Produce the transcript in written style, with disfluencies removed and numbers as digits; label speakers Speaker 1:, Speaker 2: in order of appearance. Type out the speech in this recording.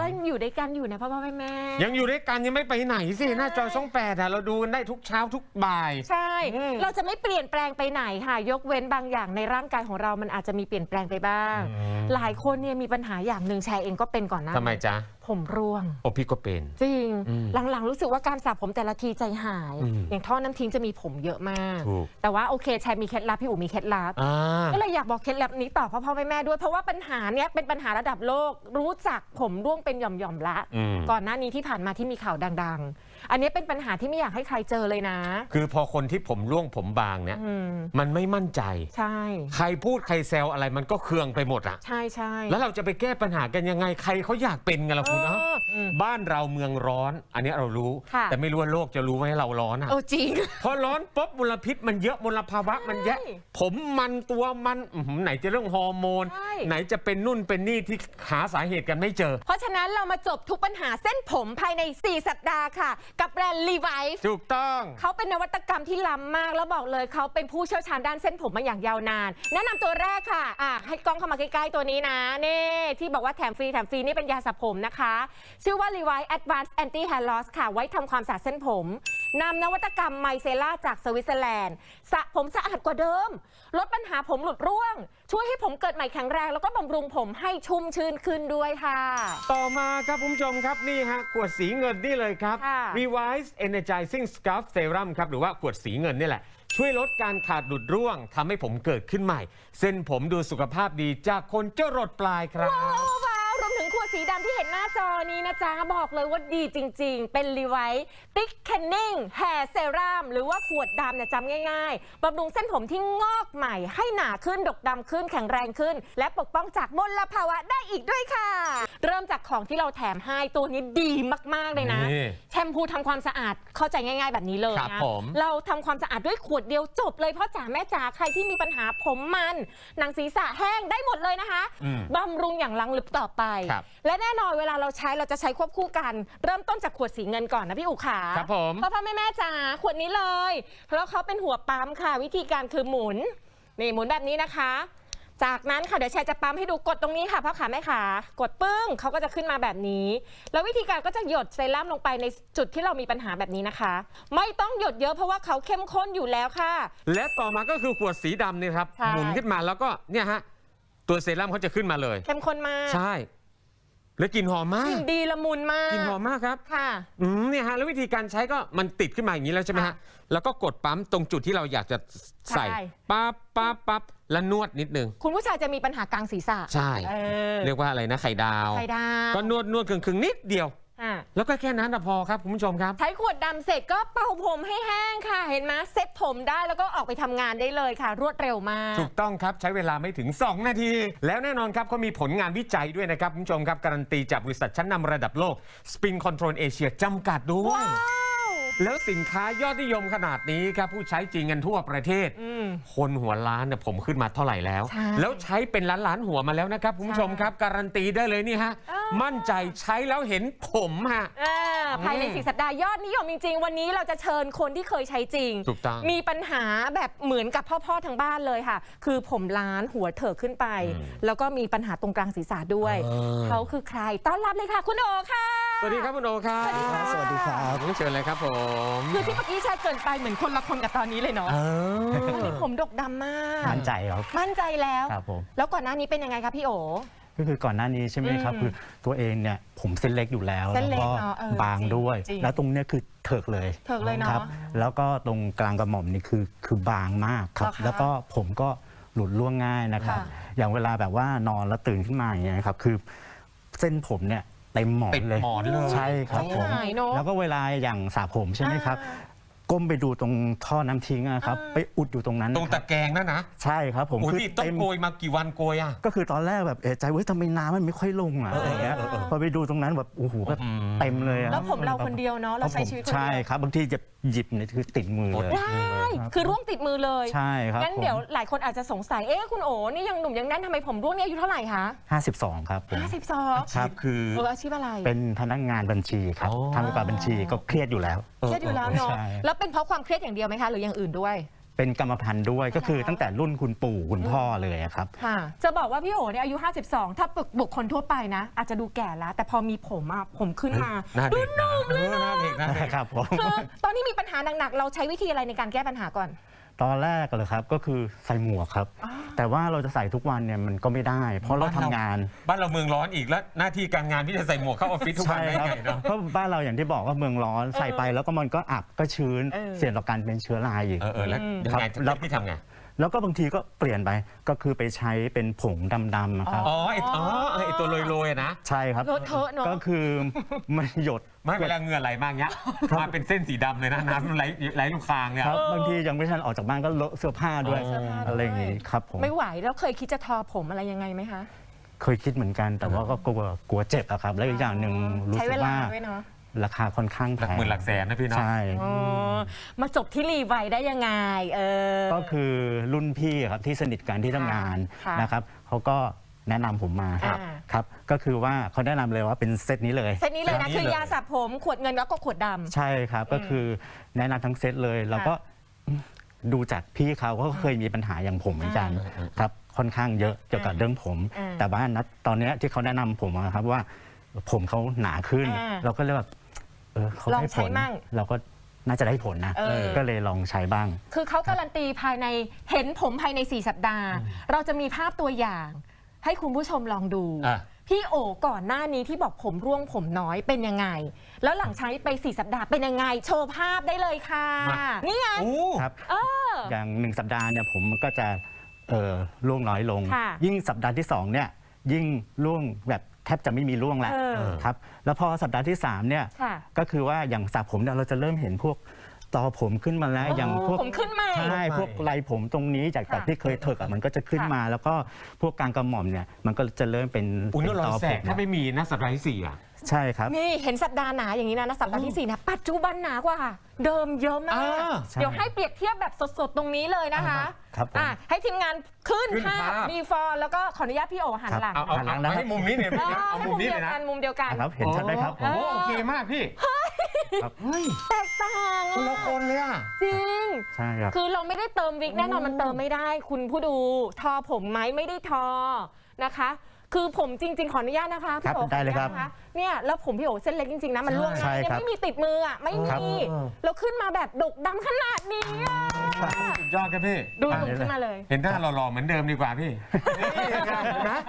Speaker 1: อยู่ด้วยกันอยู่นะพ่อแม่
Speaker 2: ยังอยู่ด้วยกันยังไม่ไปไหนสิหน้าจอช่อง8เราดูกันได้ทุกเช้าทุกบ่าย
Speaker 1: ใช่เราจะไม่เปลี่ยนแปลงไปไหนค่ะยกเว้นบางอย่างในร่างกายของเรามันอาจจะมีเปลี่ยนแปลงไปบ้างหลายคนเนี่ยมีปัญหาอย่างหนึ่งแชร์เองก็เป็นก่อนนะ
Speaker 2: ทำไมจ๊ะ
Speaker 1: ผมร่วง
Speaker 2: โอ้พี่ก็เป็น
Speaker 1: จริงหลังๆรู้สึกว่าการสระผมแต่ละทีใจหายอย่างท่อน้ำทิ้งจะมีผมเยอะมากแต่ว่าโอเคแชร์มีเคล็ดลับพี่อู๋มีเคล็ดลับก็เลยอยากบอกเคล็ดลับนี้ต่อพ่อแม่ด้วยเพราะว่าปัญหาเนี้ยเป็นปัญหาระดับโลกรู้จักผมร่วงเป็นหย่อมๆละก่อนหน้านี้ที่ผ่านมาที่มีข่าวดังๆอันนี้เป็นปัญหาที่ไม่อยากให้ใครเจอเลยนะ
Speaker 2: คือพอคนที่ผมร่วงผมบางเนี่ยมันไม่มั่นใจ
Speaker 1: ใช่
Speaker 2: ใครพูดใครแซวอะไรมันก็เคืองไปหมดอ่ะ
Speaker 1: ใช่ใช่
Speaker 2: แล้วเราจะไปแก้ปัญหากันยังไงใครเขาอยากเป็นกันล่ะคุณเนาะบ้านเราเมืองร้อนอันนี้เรารู้แต่ไม่รู้ว่าโลกจะรู้ไหมเราร้อนอ่ะ
Speaker 1: จริง
Speaker 2: พอร้อนปุ๊บมลพิษมันเยอะมลภาวะมันเยอะผมมันตัวมันไหนจะเรื่องฮอร์โมนไหนจะเป็นนู่นเป็นนี่ที่หาสาเหตุกันไม่เจอ
Speaker 1: เพราะฉะนั้นเรามาจบทุกปัญหาเส้นผมภายใน4 สัปดาห์ค่ะกับแบรนด์ Levi's
Speaker 2: ถูกต้อง
Speaker 1: เขาเป็นนวัตกรรมที่ล้ำมากแล้วบอกเลยเขาเป็นผู้เชี่ยวชาญด้านเส้นผมมาอย่างยาวนานแนะนำตัวแรกค่ะให้กล้องเข้ามาใกล้ๆตัวนี้นะนี่ที่บอกว่าแถมฟรีนี่เป็นยาสระผมนะคะชื่อว่า Levi's Advanced Anti Hair Loss ค่ะไว้ทำความสะอาดเส้นผมนำนวัตกรรมไมเซล่าจากสวิตเซอร์แลนด์สระผมสะอาดกว่าเดิมลดปัญหาผมหลุดร่วงช่วยให้ผมเกิดใหม่แข็งแรงแล้วก็บำรุงผมให้ชุ่มชื่นขึ้นด้วยค่ะ
Speaker 2: ต่อมาครับคุณผู้ชมครับนี่ฮะขวดสีเงินนี่เลยครับ Levi's Energizing Scalp Serum ครับหรือว่าขวดสีเงินนี่แหละช่วยลดการขาดหลุดร่วงทำให้ผมเกิดขึ้นใหม่เส้นผมดูสุขภาพดีจากคนจรดปลายครับ
Speaker 1: รวมถึงขวดสีดำที่เห็นหน้าจอนี้นะจ๊ะบอกเลยว่าดีจริงๆเป็น Levi's Thickening Hair Serum หรือว่าขวดดำเนี่ยจำง่ายๆบำรุงเส้นผมที่งอกใหม่ให้หนาขึ้นดกดำขึ้นแข็งแรงขึ้นและปกป้องจากมลภาวะได้อีกด้วยค่ะเริ่มจากของที่เราแถมให้ตัวนี้ดีมากๆเลยนะแชมพูทำความสะอาดเข้าใจง่ายๆแบบนี้เลยนะเราทำความสะอาดด้วยขวดเดียวจบเลยพ่อจ๋าแม่จ๋าใครที่มีปัญหาผมมันหนังศีรษะแห้งได้หมดเลยนะคะบำรุงอย่างลังลึกต่อไปและแน่นอนเวลาเราใช้เราจะใช้ควบคู่กันเริ่มต้นจากขวดสีเงินก่อนนะพี่อุ๋ขา
Speaker 2: ครับผม
Speaker 1: พ่อแม่จ๋าขวดนี้เลยแล้วเขาเป็นหัวปั๊มค่ะวิธีการคือหมุนนี่หมุนแบบนี้นะคะจากนั้นค่ะเดี๋ยวแชร์จะปั๊มให้ดูกดตรงนี้ค่ะพ่อขาแม่ขากดปึ้งเขาก็จะขึ้นมาแบบนี้แล้ววิธีการก็จะหยดเซรั่มลงไปในจุดที่เรามีปัญหาแบบนี้นะคะไม่ต้องหยดเยอะเพราะว่าเขาเข้มข้นอยู่แล้วค่ะ
Speaker 2: และต่อมาก็คือขวดสีดำนี่ครับหมุนขึ้นมาแล้วก็เนี่ยฮะตัวเซรั่มเขาจะขึ้นมาเลย
Speaker 1: เข้มข้นมาก
Speaker 2: ใช่แล้วกลิ่นหอมมาก
Speaker 1: กลิ่นดีละมุนมาก
Speaker 2: กลิ่นหอมมากครับ
Speaker 1: ค่ะ
Speaker 2: เนี่ยฮะแล้ววิธีการใช้ก็มันติดขึ้นมาอย่างนี้แล้วใช่ไหมฮะแล้วก็กดปั๊มตรงจุดที่เราอยากจะใส่ปั๊บแล้วนวดนิดนึง
Speaker 1: คุณผู้ชายจะมีปัญหากลางศีรษะ
Speaker 2: ใช่เรียกว่าอะไรนะไข่ดาวก็นวดครึ่งนิดเดียวแล้วก็แค่นั้นพอครับคุณผู้ชมครับ
Speaker 1: ใช้ขวดดำเสร็จก็เป่าผมให้แห้งค่ะเห็นไหมเซ็ตผมได้แล้วก็ออกไปทำงานได้เลยค่ะรวดเร็วมาก
Speaker 2: ถูกต้องครับใช้เวลาไม่ถึง2 นาทีแล้วแน่นอนครับเขามีผลงานวิจัยด้วยนะครับคุณผู้ชมครับการันตีจากบริษัทชั้นนำระดับโลก Spin Control Asia จำกัดด้วยแล้วสินค้ายอดนิยมขนาดนี้ครับผู้ใช้จริงกันทั่วประเทศคนหัวล้านเนี่ยผมขึ้นมาเท่าไหร่แล้วแล้วใช้เป็นล้านหัวมาแล้วนะครับคุณผู้ชมครับการันตีได้เลยนี่ฮะมั่นใจใช้แล้วเห็นผมฮะ
Speaker 1: ภายใน4 สัปดาห์ยอดนิยมจริงๆวันนี้เราจะเชิญคนที่เคยใช้จริงมีปัญหาแบบเหมือนกับพ่อทางบ้านเลยค่ะคือผมล้านหัวเถิกขึ้นไปแล้วก็มีปัญหาตรงกลางศีรษะด้วยเขาคือใครต้อนรับเลยค่ะคุณโอค่ะ
Speaker 2: สวัสดีครับคุณโอครับ
Speaker 3: สวัสดีครับ
Speaker 2: เชิญเลยครับผม
Speaker 1: คือที่เมื่อกี้แชร์เกินไปเหมือนคนละคนกับตอนนี้เลยเนาะผมดกดำมาก
Speaker 3: มั่นใจครับ
Speaker 1: มั่นใจแล้ว
Speaker 3: ครับผม
Speaker 1: แล้วก่อนหน้านี้เป็นยังไงครับพี่โอ
Speaker 3: ก็คือก่อนหน้านี้ใช่ไหมครับคือตัวเองเนี่ยผมเส้นเล็กอยู่แล้วแล้วก็บางด้วยแล้วตรงเนี้ยคือเถิกเลย
Speaker 1: ครับ
Speaker 3: แล้วก็ตรงกลางกระหม่อมนี่คือบางมากครับแล้วก็ผมก็หลุดร่วงง่ายนะครับอย่างเวลาแบบว่านอนแล้วตื่นขึ้นมาอย่างเงี้ยครับคือเส้นผมเนี่ยเต็มหมอนเลยใช่ครับผมแล้วก็เวลาอย่างสระผมใช่ไหมครับก้มไปดูตรงท่อน้ำทิ้งนะครับไปอุดอยู่ตรงนั้น
Speaker 2: ตรงตะแกรงนั่นนะ
Speaker 3: ใช่ครับผม
Speaker 2: คือต้องโกยมากี่วันโกยอ่ะ
Speaker 3: ก็คือตอนแรกแบบใจทำไมน้ำมันไม่ค่อยลงอ่ะอะไรเงี้ยพอไปดูตรงนั้นแบบโอ้โหแบบเต็มเลย
Speaker 1: แล้วผมเราคนเดียวเนาะเราใช้ชีวิตคนเดียว
Speaker 3: ใช่ครับบางทีจะหยิบเนี่ยคือติดมือเลย
Speaker 1: ได้คือร่วงติดมือเลย
Speaker 3: ใช่ครับ
Speaker 1: งั้นเดี๋ยวหลายคนอาจจะสงสัยคุณโอนี่ยังหนุ่มยังแน่นทำไมผมร่วงเนี่ยอายุเท่าไหร่คะ
Speaker 3: 52ครับ
Speaker 1: 52
Speaker 2: ครับคือ
Speaker 1: อาชีพอะไร
Speaker 3: เป็นพนักงานบัญชีครับทำกับบัญชีก็เครียดอยู่แล้ว
Speaker 1: เนาะแล้วเป็นเพราะความเครียดอย่างเดียวไหมคะหรืออย่างอื่นด้วย
Speaker 3: เป็นกรรมพันธุ์ด้วยก็คือตั้งแต่รุ่นคุณปู่คุณพ่อเลยอะครับ
Speaker 1: ค่ะจะบอกว่าพี่โอเนี่ยอายุ 52 ถ้าบุคคลทั่วไปนะ อาจจะดูแก่แล้ว แต่พอมีผมอะผมขึ้นมา
Speaker 2: หน้าเด็กนะหน้าเด็กนะ
Speaker 3: ครับผม
Speaker 1: คือตอนที่มีปัญหาหนักๆเราใช้วิธีอะไรในการแก้ปัญหาก่อน
Speaker 3: ตอนแรกเลยครับก็คือใส่หมวกครับ แต่ว่าเราจะใส่ทุกวันเนี่ยมันก็ไม่ได้ เพราะเราทำงาน
Speaker 2: บ้านเราเมืองร้อนอีกแล้วหน้าที่การงานที่จะใส่หมวกเข้าออฟฟิศทุกวันได้
Speaker 3: ครับ
Speaker 2: ไงเนาะ
Speaker 3: เพราะบ้านเราอย่างที่บอกว่าเมืองร้อนใส่ไปแล้วก็มันก็อับก็ชื้น เสี่ยงต่อการเป็นเชื้อราอีก
Speaker 2: แล้วยังไง
Speaker 3: แล้ว
Speaker 2: พี่ทำไง
Speaker 3: แล้วก็บางทีก็เปลี่ยนไปก็คือไปใช้เป็นผงดำๆครับ
Speaker 2: อ๋อไอตัวโรยๆนะ
Speaker 3: ใช่ครับ
Speaker 1: เลอะเทอะเนอะ
Speaker 3: ก็คือมันหยด
Speaker 2: ไม่เวลาเหงื่อไหลมากเนี้ยมาเป็นเส้นสีดำเลยนะน้ำไหลลูกคางเนี่ย
Speaker 3: ครับบางทียังไม่ทันออกจากบ้านก็เลอะเสื้อผ้าด้วย
Speaker 1: เสื้อผ้าด้วย
Speaker 3: อะไรอย่างงี้ครับผม
Speaker 1: ไม่ไหวแล้วเคยคิดจะทอผมอะไรยังไงไหมคะ
Speaker 3: เคยคิดเหมือนกันแต่ว่าก็กลัวเจ็บอะครับ แล้วอีกอย่างหนึ่งรู้
Speaker 1: ใช้
Speaker 3: สึ
Speaker 1: เว
Speaker 3: ก
Speaker 1: ลา
Speaker 3: ว่า
Speaker 1: ด้วยเนาะ
Speaker 3: ราคาค่อนข้างแพ
Speaker 2: หลัก
Speaker 3: ง
Speaker 2: หมื่นหลักแสนนะพี่เนาะ
Speaker 3: ใช่
Speaker 1: อ๋อมาจบที่รีไวได้ยังไง
Speaker 3: ก็คือรุ่นพี่ครับที่สนิทกันที่ทำงาน
Speaker 1: ค่ะ
Speaker 3: นะครับเขาก็แนะนำผมมา
Speaker 1: อ่า
Speaker 3: ครับก็คือว่าเขาแนะนำเลยว่าเป็นเซตนี้เลย
Speaker 1: เซตนี้เลยนะคือยาสระผมขวดเงินแล้วก็ขวดดำ
Speaker 3: ใช่ครับก็คือแนะนำทั้งเซตเลยแล้วก็ดูจากพี่เขาก็เคยมีปัญหาอย่างผมเหมือนกันครับค่อนข้างเยอะเกี่ยวกับเรื่องผม แต่ว่าณตอนเนี้ยที่เขาแนะนำผมอะครับว่าผมเขาหนาขึ้น เราก็เลยแบบเขา
Speaker 1: ลอง
Speaker 3: ได้ผ
Speaker 1: ใช้
Speaker 3: ล
Speaker 1: มั่ง
Speaker 3: เราก็น่าจะได้ผลนะ ก็เลยลองใช้บ้าง
Speaker 1: คือเขาการันตีภายในเห็นผมภายใน 4 สัปดาห์ เราจะมีภาพตัวอย่าง ให้คุณผู้ชมลองดู
Speaker 2: อ่ะ
Speaker 1: พี่โอก่อนหน้านี้ที่บอกผมร่วงผมน้อยเป็นยังไง แล้วหลังใช้ไป 4 สัปดาห์เป็นยังไง โชว์ภาพได้เลยค่ะ นี่ไง
Speaker 2: โอ้
Speaker 3: ครับอย่าง1 สัปดาห์เนี่ยผมมันก็จะร่วงน้อยลง
Speaker 1: ค่ะ
Speaker 3: ยิ่งสัปดาห์ที่2เนี่ยยิ่งร่วงแบบแทบจะไม่มีร่วงแล้วครับแล้วพอสัปดาห์ที่3เนี่ย
Speaker 1: ค่ะ
Speaker 3: ก็คือว่าอย่างสระผมเนี่ยเราจะเริ่มเห็นพวกตอผมขึ้นมาแล้วอย่างพวก
Speaker 1: ผมขึ้นใหม่
Speaker 3: ใช่พวกไรผมตรงนี้จาก
Speaker 1: ค่ะ
Speaker 3: ที่เคยเถิกอะมันก็จะขึ้นมา แล้วก็พวกกลางกระหม่อมเนี่ยมันก็จะเริ่มเป็น
Speaker 2: อุ้ย
Speaker 3: เป็น
Speaker 2: ร
Speaker 3: ต
Speaker 2: อ
Speaker 3: อย
Speaker 2: แส
Speaker 3: ผ
Speaker 2: ก
Speaker 3: ม
Speaker 2: ถ้าไม่มีนะสัปดาห์ที่4อ่ะ
Speaker 3: ใช่ครับ
Speaker 1: นี่เห็นสัปดาห์หนาอย่างนี้นะสัปดาห์ที่ 4นะปัจจุบันหนากว่า เดิมเยอะมาก
Speaker 3: ใช่
Speaker 1: เดี๋ยวให้เปรียบเทียบแบบสดๆ ตรงนี้เลยนะคะ
Speaker 3: ครับผม
Speaker 1: ให้ทีมงานขึ้น
Speaker 2: ขึ้น
Speaker 1: ภา
Speaker 2: ภา
Speaker 1: พ
Speaker 2: พ
Speaker 1: มีฟอร์แล้วก็ขออนุญาตพี่โอหันหลัง
Speaker 2: เอาให้มุมนี้เนี่ยพี่นะเอา
Speaker 1: ให้
Speaker 2: มุ
Speaker 1: มุ
Speaker 2: ม
Speaker 1: ม
Speaker 2: นี้
Speaker 1: เดี
Speaker 2: เลย ยว นะ
Speaker 1: กันมุมเดียวกัน
Speaker 3: ครับเห็นชัดไหมครับผม
Speaker 2: โอ้โอเคมากพี่ครับเฮ้ย
Speaker 1: แตกต่าง
Speaker 2: คนละคนเลยอ่ะ
Speaker 1: จริง
Speaker 3: ใช่ครับ
Speaker 1: คือเราไม่ได้เติมวิกแน่นอนมันเติมไม่ได้ คุณผู้ดูทอผมไหมไม่ได้ทอนะคะ คือผมจริง ๆ ขออนุญาตนะคะพี่โอ
Speaker 3: ได้เลยครับ
Speaker 1: ขออนุญาตนะคะเนี่ยแล้วผมพี่โอเส้นเล็กจริงๆนะมันร่วง
Speaker 3: ใช่
Speaker 1: ง่ายเนี่ย
Speaker 3: ครับ
Speaker 1: ไม่มีติดมืออ่ะไม่
Speaker 3: ครับ
Speaker 1: มีแล้วขึ้นมาแบบดกดำขนาดนี้อะ
Speaker 2: สุดยอดครับพี่
Speaker 1: ดูหนุ่มขึ้นมาเลย
Speaker 2: เห็นหน้าหล่อๆเหมือนเดิมดีกว่าพี่นี่ไงนะ